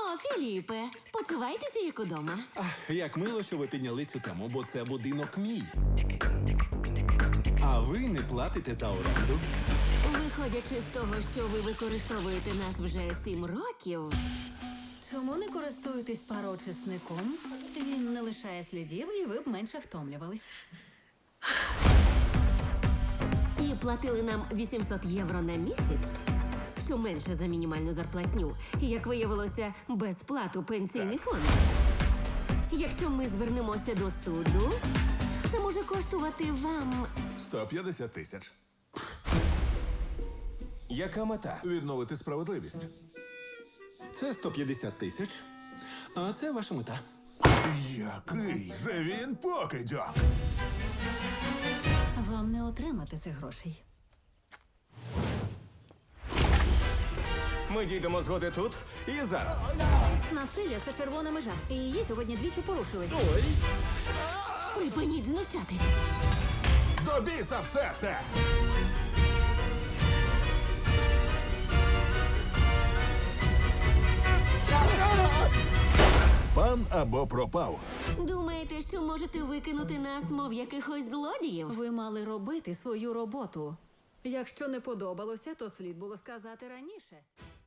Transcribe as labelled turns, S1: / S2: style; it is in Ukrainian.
S1: О, Філіпе, почувайтеся як удома.
S2: Як мило, що ви підняли цю тему, бо це будинок мій. А ви не платите за оренду.
S1: Виходячи з того, що ви використовуєте нас вже 7 років,
S3: Чому не користуєтесь пароочисником? Він не лишає слідів, і ви б менше втомлювались.
S1: і платили нам 800 євро на місяць, що менше за мінімальну зарплатню, і, як виявилося, безплату пенсійний фонд. Якщо ми звернемося до суду, це може коштувати вам
S4: 150 тисяч.
S2: Яка мета?
S4: Відновити справедливість.
S2: Це 150 тисяч. А це ваша мета.
S4: Який же він покидьок!
S3: Вам не отримати цих грошей.
S5: Ми дійдемо згоди тут і зараз.
S3: Насилля – це червона межа, і її сьогодні двічі порушили.
S1: припиніть знущатись.
S4: До біса все це! Пан або пропав.
S1: Думаєте, що можете викинути нас, мов якихось злодіїв?
S3: Ви мали робити свою роботу. Якщо не подобалося, то слід було сказати раніше.